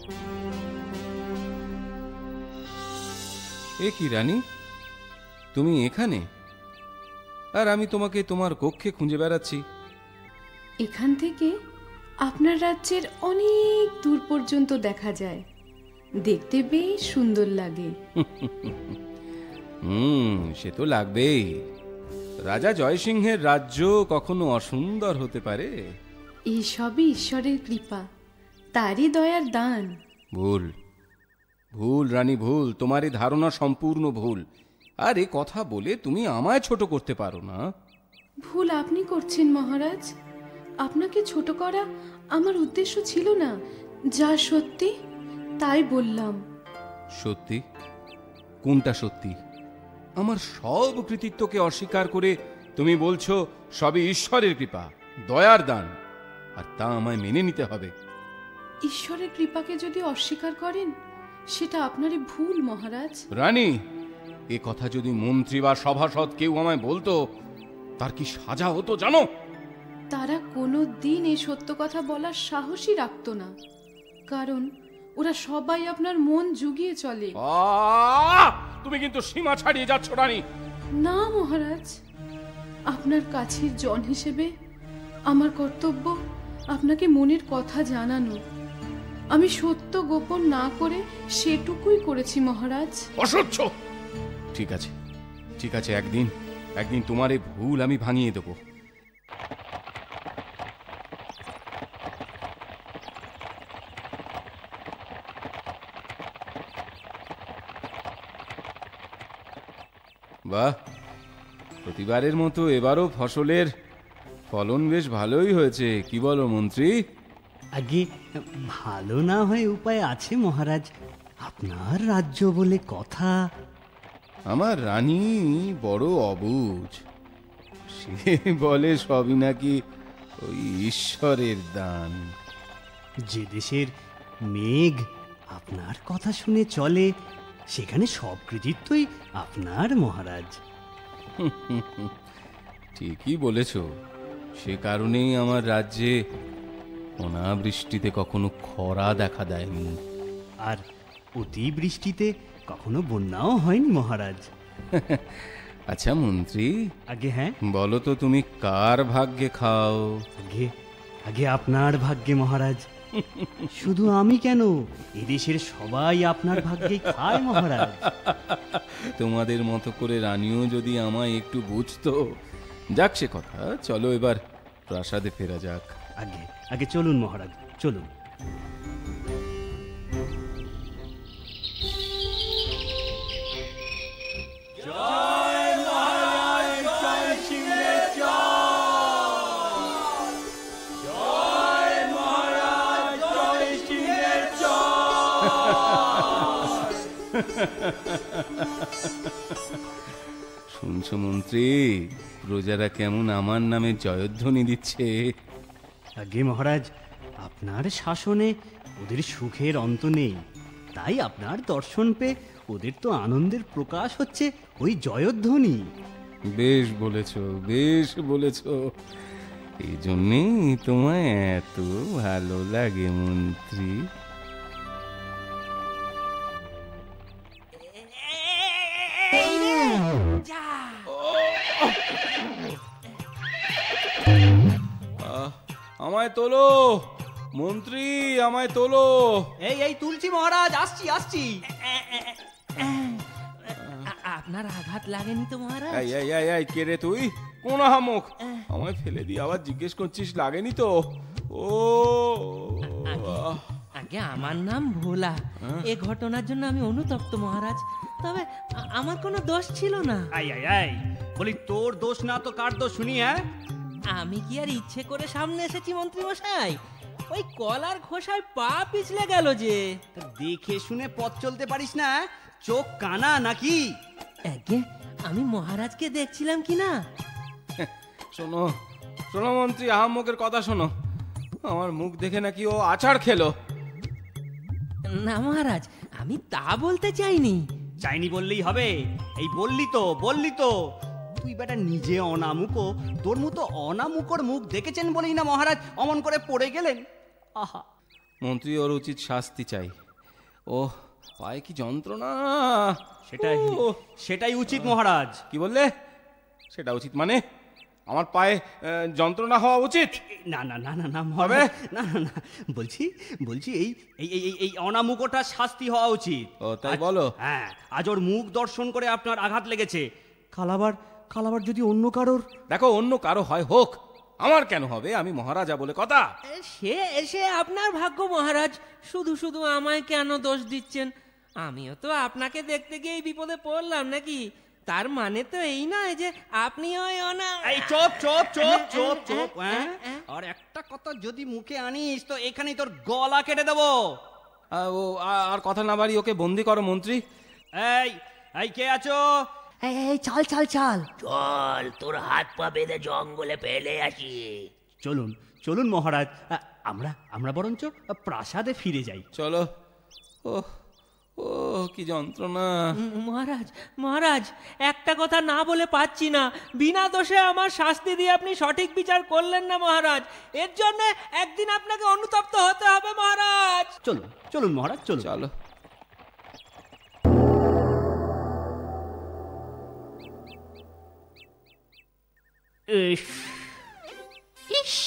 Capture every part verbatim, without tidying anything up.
এ কি রানী, তুমি এখানে? আর আমি তোমাকে তোমার কক্ষে খুঁজে বেড়াচ্ছি। এখান থেকে আপনার রাজ্যের অনেক দূর পর্যন্ত দেখা যায়, দেখতে বেশ সুন্দর লাগে। হুম, সে তো লাগবেই। রাজা জয়সিংহের রাজ্য কখনো অসুন্দর হতে পারে? এই সবই ঈশ্বরের কৃপা, তারই দয়ার দান। ভুল ভুল রানী, ভুল। তোমার এই ধারণা সম্পূর্ণ ভুল। আর এ কথা বলে তুমি আমায় ছোট করতে পারো না। ভুল আপনি করছেন মহারাজ। আপনাকে ছোট করা আমার উদ্দেশ্য ছিল না। যা সত্যি তাই বললাম। সত্যি? কোনটা সত্যি? আমার সব কৃতিত্বকে অস্বীকার করে তুমি বলছো সবই ঈশ্বরের কৃপা, দয়ার দান, আর তা আমায় মেনে নিতে হবে। ঈশ্বরের কৃপাকে যদি অস্বীকার করেন সেটা আপনারই ভুল মহারাজ। রানী, এ কথা যদি মন্ত্রী বা সভাসদ কেউ আমায় বলতো, তার কি সাজা হতো জানো? তারা কোনো দিন এই সত্য কথা বলার সাহসই রাখতো না, কারণ ওরা সবাই আপনার মন জুগিয়ে চলে। আহ! তুমি কিন্তু সীমা ছাড়িয়ে যাচ্ছ রানী। না মহারাজ, আপনার কাছের জন হিসেবে আমার কর্তব্য আপনাকে মনের কথা জানানো। আমি সত্য গোপন না করে সেটুকুই করেছি মহারাজ। অসহ্য! ঠিক আছে, ঠিক আছে, একদিন একদিন তোমার এই ভুল আমি ভাঙিয়ে দেবো। বাহ, প্রতিবারের মতো এবারও ফসলের ফলন বেশ ভালোই হয়েছে, কি বলো মন্ত্রী? আগে ভালো না হয়ে উপায় আছে মহারাজ, আপনার রাজ্য বলে কথা। আমার রানী বড় অবুঝ, সে বলে সবই নাকি ওই ঈশ্বরের দান। যে দেশের মেঘ আপনার কথা শুনে চলে, সেখানে সব কৃতিত্বই আপনার মহারাজ। ঠিকই বলেছ, সে কারণেই আমার রাজ্যে অনাবৃষ্টিতে কখনো খরা দেখা দেয়নি, আর অতিবৃষ্টিতে কখনো বন্যাও হয়নি মহারাজ। আচ্ছা মন্ত্রী, আগে হ্যাঁ, বলো তো তুমি কার ভাগ্যে খাও? আগে আগে আপনার ভাগ্যে মহারাজ। শুধু আমি কেন, এদেশের সবাই আপনার ভাগ্যে খায় মহারাজ। তোমাদের মতো করে রানীও যদি আমায় একটু বুঝতো। যাক সে কথা, চলো এবার প্রাসাদে ফেরা যাক। আগে আগে চলুন মহারাজ, চলুন। শুনছো মন্ত্রী, প্রজারা কেমন আমার নামে জয়ধ্বনি দিচ্ছে? আগে মহারাজ, আপনার শাসনে ওদের সুখের অন্ত নেই, তাই আপনার দর্শন পেয়ে ওদের তো আনন্দের প্রকাশ হচ্ছে ওই জয়ধ্বনি। বেশ বলেছ, বেশ বলেছ। এই জন্যেই তোমায় এত ভালো লাগে মন্ত্রী। আমায় তোলো মন্ত্রী, আমায় তোলো। এই এই তুলছি মহারাজ, আসছি আসছি। আপনার আঘাত লাগেনি তো মহারাজ? এই এই এই এই কে রে তুই? কোন হামুক আমায় ফেলে দিয়ে আবার জিজ্ঞেস করছিস লাগেনি তো? ও আগে আমার নাম ভোলা। এ ঘটনার জন্য আমি অনুতপ্ত মহারাজ, তবে আমার কোনো দোষ ছিল না। আই আই আই বলি, তোর দোষ না তো কার দোষ শুনি? হ্যাঁ, আমি কি আর ইচ্ছে করে সামনে এসেছি মন্ত্রী মশাই? ওই কলার খোসায় পা পিছলে গেল যে। দেখে শুনে পথ চলতে পারিস না? চোখ কানা নাকি? আগে আমি মহারাজকে দেখছিলাম কি না। শোনো শোনো মন্ত্রী, আহাম্মকের কথা শোনো। আমার মুখ দেখে নাকি ও আচার খেলো। না মহারাজ, আমি তা বলতে চাইনি। চাইনি বললেই হবে? এই বললি তো, বললি তো। তুই বেটা নিজে অনামুকো, তোর মতো অনামুকর মুখ দেখেছেন বলেই না মহারাজ অমন করে পড়ে গেলেন। আহা, মন্ত্রী ওর উচিত শাস্তি চাই। ও পায়ে কি যন্ত্রণা! সেটাই ও, সেটাই উচিত মহারাজ। কি বললে? সেটা উচিত মানে আমার পায়ে আহ, যন্ত্রণা হওয়া উচিত? না না না না না মহারাজ, না না না, বলছি বলছি এই এই এই এই- এই অনামুকটা শাস্তি হওয়া উচিত। ও, তাই আজ- বলো? হ্যাঁ, আজ ওর মুখ দর্শন করে আপনার আঘাত লেগেছে। কালাবার কালাবার যদি অন্য কারোর। দেখো, অন্য কারো হয় হোক, আমার কেন হবে? আমি মহারাজা বলে কথা। সে এসে আপনার ভাগ্য মহারাজ, শুধু শুধু আমায় কেন দোষ দিচ্ছেন? আমিও তো আপনাকে দেখতে গিয়ে এই বিপদে পড়লাম নাকি? তার মানে তো এই নয় যে আপনি ওই অনা এই চোপ চোপ চোপ চোপ চোপ, হ্যাঁ, হ্যাঁ? হ্যাঁ। আর একটা কথা যদি মুখে আনিস তো এখানেই তোর গলা কেটে দেবো। আহ, ও আ- আর কথা না বাড়ি ওকে বন্দি করো মন্ত্রী। এই এই কে আছো? এই এই চল চল চল চল, তোর হাত পা বেঁধে জঙ্গলে ফেলে আসি। চলুন চলুন মহারাজ, আ, আমরা আমরা বরঞ্চ প্রাসাদে ফিরে যাই। চলো। ও ও কি যন্ত্রণা! উম, মহারাজ মহারাজ, একটা কথা না বলে পাচ্ছি না। বিনা দোষে আমার শাস্তি দিয়ে আপনি সঠিক বিচার করলেন না মহারাজ। এর জন্য একদিন আপনাকে অনুতপ্ত হতে হবে মহারাজ। চলুন চলুন মহারাজ, চলুন। চলো। ইস,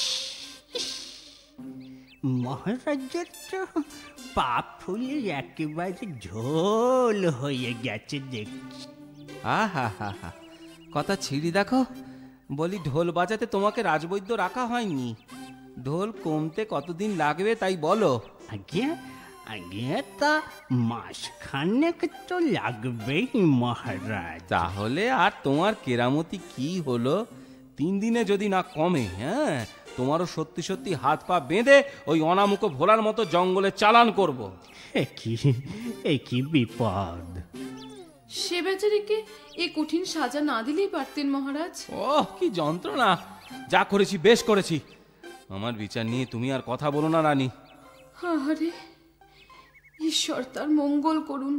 মহারাজের তো পাপ ফুলে একেবারে ঝোল হয়ে গেছে দেখছি। আহা হা হা, কথা ছিড়ি দেখো। বলি, ঢোল বাজাতে তোমাকে রাজবৈদ্য রাখা হয়নি? ঢোল কমতে কতদিন লাগবে তাই বলো? আগে আগে তা মাসখানেক তো লাগবেই মহারাজ। তাহলে আর তোমার কেরামতি কি হলো? তিন দিনে যদি না কমে, হ্যাঁ, তোমারও সত্যি সত্যি হাত পা বেঁধে ওই অনামুখ ভোলার মতো জঙ্গলে চালান করব। এ কি এ কি বিপদ! সে বেচারিকে এ কঠিন সাজা না দিলেই পারতেন মহারাজ। ওহ কি যন্ত্রণা! যা করেছি বেশ করেছি। আমার বিচার নিয়ে তুমি আর কথা বলো না রানী। আরে ঈশ্বর তার মঙ্গল করুন।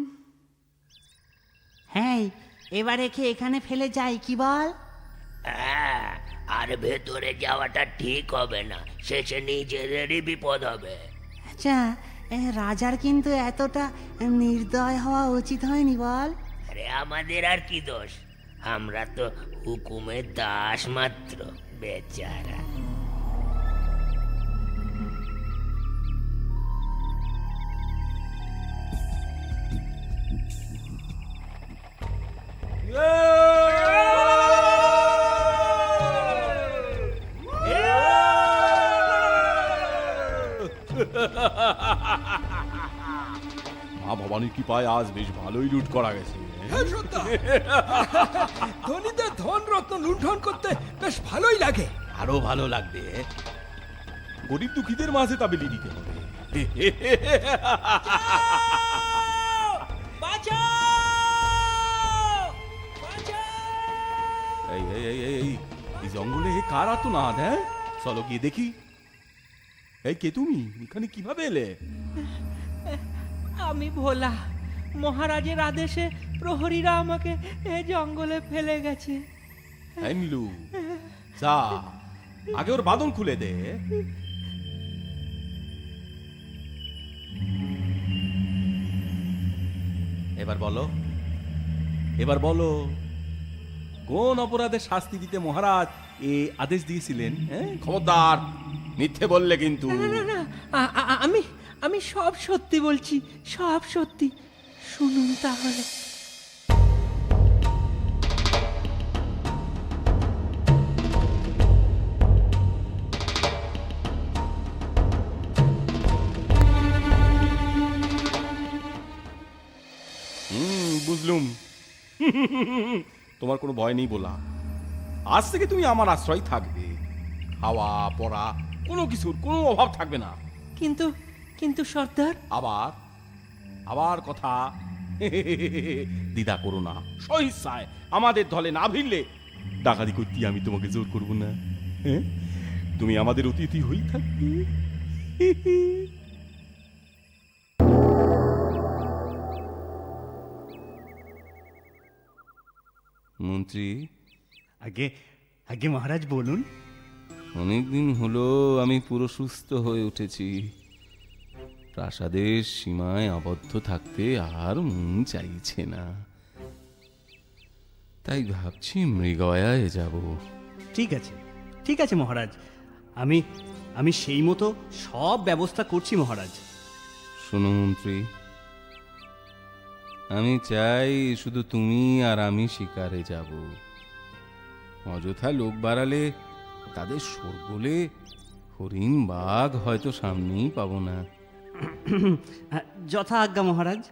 হ্যাঁ এবার একে এখানে ফেলে যাই কি বল? হ্যাঁ, আর ভেতরে যাওয়াটা ঠিক হবে না, শেষে নিজেদেরই বিপদ হবে। আচ্ছা এ, রাজার কিন্তু এতটা নির্দয় হওয়া উচিত হয়নি বল? আরে আমাদের আর কি দোষ? আমরা তো হুকুমের দাস মাত্র, বেচারা। মা ভবানীর কৃপায় আজ বেশ ভালোই লুট করা গেছে। ধনীদের ধন রত্ন লুণ্ঠন করতে বেশ ভালোই লাগে। আরো ভালো লাগবে গরিব দুঃখীদের মাঝে তা বিলি দিতে হবে। এই এই এই এই এই জঙ্গলে কার আর্তনাদ? হ্যাঁ, চলো গিয়ে দেখি। এই কে তুমি? এখানে কিভাবে এলে? আমি ভোলা, মহারাজের আদেশে প্রহরীরা আমাকে এ জঙ্গলে ফেলে গেছে। এই নীলু, যা আগে ওর বাঁধন খুলে দে। এবার বলো, এবার বলো, কোন অপরাধের শাস্তি দিতে মহারাজ এ আদেশ দিয়েছিলেন? হ্যাঁ, খবরদার মিথ্যে বললে কিন্তু। না না না, আ- আ- আমি আমি সব সত্যি বলছি, সব সত্যি। শুনুন তাহলে। হুম, বুঝলুম। তোমার কোনো ভয় নেই বলা। আজ থেকে তুমি আমার আশ্রয় থাকবে। খাওয়া পড়া কোনো কিছুর কোনো অভাব থাকবে না। কিন্তু কিন্তু সর্দার, আবার আবার কথা দ্বিধা করো না। সহিসায় আমাদের দলে না ভিড়লে ডাকাতি করতে আমি তোমাকে জোর করব না। হ্যাঁ, তুমি আমাদের অতিথি হই থাকবে। মন্ত্রী, আগে আগে মহারাজ বলুন। অনেকদিন হলো আমি পুরো সুস্থ হয়ে উঠেছি। প্রাসাদের সীমায় আবদ্ধ থাকতে আর মন চাইছে না, তাই ভাবছি মৃগয়ায় যাব। ঠিক আছে, ঠিক আছে মহারাজ, আমি আমি সেই মতো সব ব্যবস্থা করছি মহারাজ। শোনো মন্ত্রী, আমি চাই শুধু তুমি আর আমি শিকারে যাব। অযথা লোক বাড়ালে তাদের শোরগোলে হরিণ বাঘ হয়তো সামনেই পাবো না। যথা আজ্ঞা মহারাজ।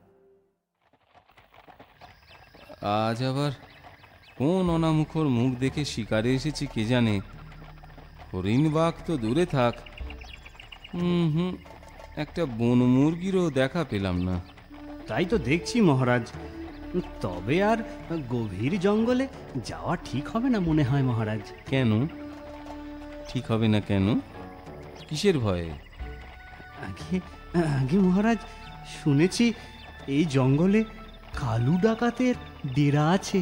আজ আবার কোন অনামুখর মুখ দেখে শিকারে এসেছি কে জানে। হরিণ বাঘ তো দূরে থাক, হুম হুম একটা বন মুরগিরও দেখা পেলাম না। তাই তো দেখছি মহারাজ, তবে আর গভীর জঙ্গলে যাওয়া ঠিক হবে না মনে হয় মহারাজ। কেন ঠিক হবে না? কেন, কিসের ভয়ে? আগে আগে মহারাজ, শুনেছি এই জঙ্গলে কালু ডাকাতের ডেরা আছে।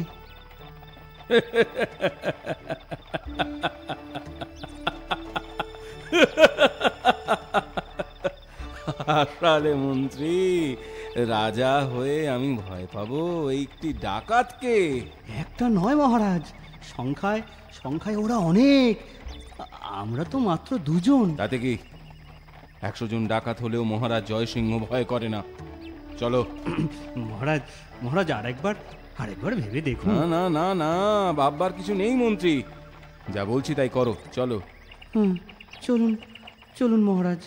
আসলে মন্ত্রী, রাজা হয়ে আমি ভয় পাবো একটি ডাকাতকে? একটা নয় মহারাজ, সংখ্যায় সংখ্যায় ওরা অনেক, আমরা তো মাত্র দুজন। তাতে কি, একশো জন ডাকাত হলেও মহারাজ জয়সিংহ ভয় করে না। চলো। মহারাজ মহারাজ আরেকবার আরেকবার ভেবে দেখুন। না না না না, ভাববার কিছু নেই মন্ত্রী, যা বলছি তাই করো, চলো। হুম, চলুন চলুন মহারাজ।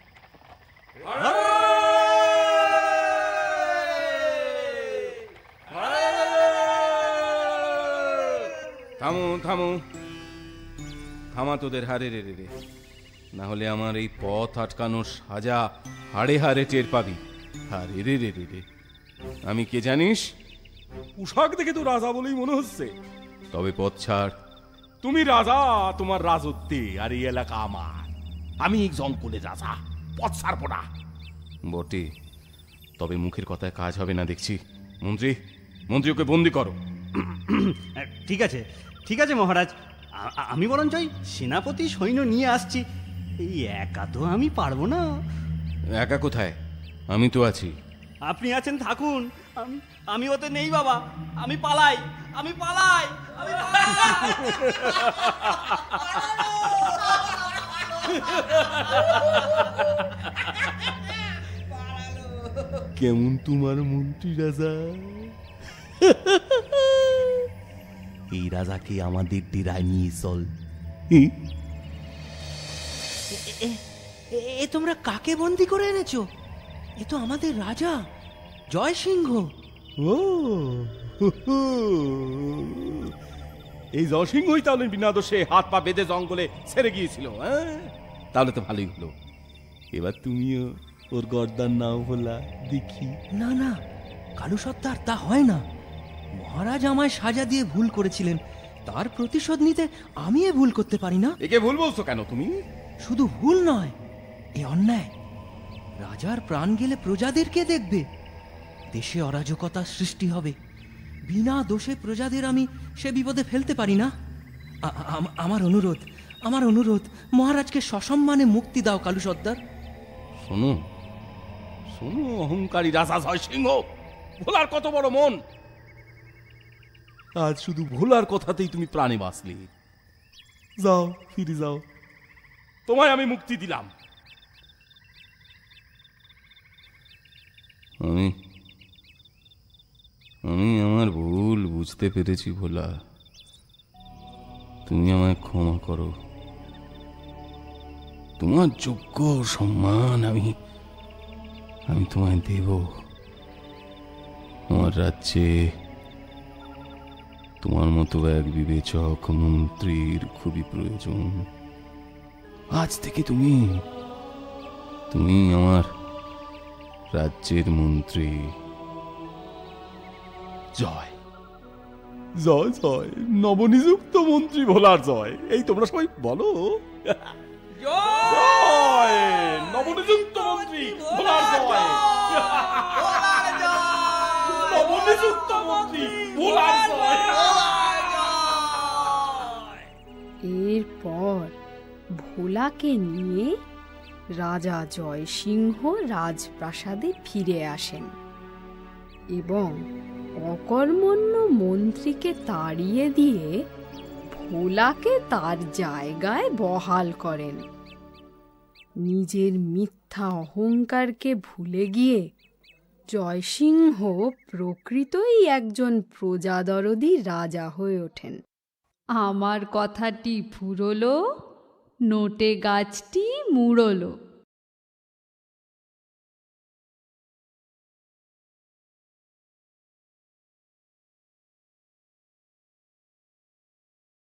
থামো থামো থামা তোদের হারে রে রে রে, না হলে আমার এই পথ আটকানোর সাজা হাড়ে হাড়ে টের পাবি। হারে রে রে রে রে, আমি কে জানিস? পোশাক দেখে তো রাজা বলেই মনে হচ্ছে। তবে পথ ছাড়। তুমি রাজা, তোমার রাজত্বে, আর এই এলাকা আমার। আমি এই জঙ্গলের রাজা, পথ ছাড়বো না। বটে, তবে মুখের কথায় কাজ হবে না দেখছি। মন্ত্রী মন্ত্রী ওকে বন্দি করো। ঠিক আছে ঠিক আছে মহারাজ, আ- আমি বরঞ্চ ওই সেনাপতি সৈন্য নিয়ে আসছি। এই একা তো আমি পারবো না। একা কোথায়, আমি তো আছি। আপনি আছেন, থাকুন। আমি আমি ওতে নেই বাবা, আমি পালাই আমি পালাই আমি কেমন তোমার মন্ত্রী রাজা? এই রাজাকে আমাদের ডেরায় নিয়ে চল। এ তোমরা কাকে বন্দি করে এনেছো? এ তো আমাদের রাজা জয় সিংহ। ও এই জয়সিংহই তাহলে বিনা দোষে হাত পা বেঁধে জঙ্গলে ছেড়ে গিয়েছিল। হ্যাঁ, তাহলে তো ভালোই হলো। এবার তুমিও ওর গর্দান নাও ভোলা দেখি। না না কালু সর্দার, তা হয় না। মহারাজ আমায় সাজা দিয়ে ভুল করেছিলেন, তার প্রতিশোধ নিতে আমি এ ভুল করতে পারি না। একে ভুল বলছো কেন তুমি? শুধু ভুল নয়, এ অন্যায়। রাজার প্রাণ গেলে প্রজাদের কে দেখবে? দেশে অরাজকতা সৃষ্টি হবে। বিনা দোষে প্রজাদের আমি সে বিপদে ফেলতে পারি না। আ- আ- আমার অনুরোধ আমার অনুরোধ মহারাজকে সসম্মানে মুক্তি দাও কালু সর্দার। শোনো শোনো অহংকারী রাজা জয়সিংহ, ভোলার কত বড় মন। আজ শুধু ভোলার কথাতেই তুমি প্রাণে বাঁচলে। যাও, ফিরে যাও, তোমায় আমি মুক্তি দিলাম। আমি আমি আমার ভুল বুঝতে পেরেছি ভোলা, তুমি আমায় ক্ষমা করো। তোমার যোগ্য সম্মান আমি আমি তোমায় দেব। আমার রাজ্যে তোমার মতো এক বিবেচক মন্ত্রীর খুবই প্রয়োজন। আজ থেকে তুমি তুমি আমার রাজ্যের মন্ত্রী। জয় জয় জয়, নবনিযুক্ত মন্ত্রী ভোলার জয়। এই তোমরা সবাই বলো জয়, নবনিযুক্ত মন্ত্রী ভোলার জয়। নবনিযুক্ত মন্ত্রী ভোলার জয়। এরপর ভোলাকে নিয়ে রাজা জয়সিংহ রাজপ্রাসাদে ফিরে আসেন এবং অকর্মণ্য মন্ত্রীকে তাড়িয়ে দিয়ে ভোলাকে তার জায়গায় বহাল করেন। নিজের মিথ্যা অহংকারকে ভুলে গিয়ে জয়সিংহ প্রকৃতই একজন প্রজাদরদি রাজা হয়ে ওঠেন। আমার কথাটি ফুরলো, নোটে গাছটি মুড়লো।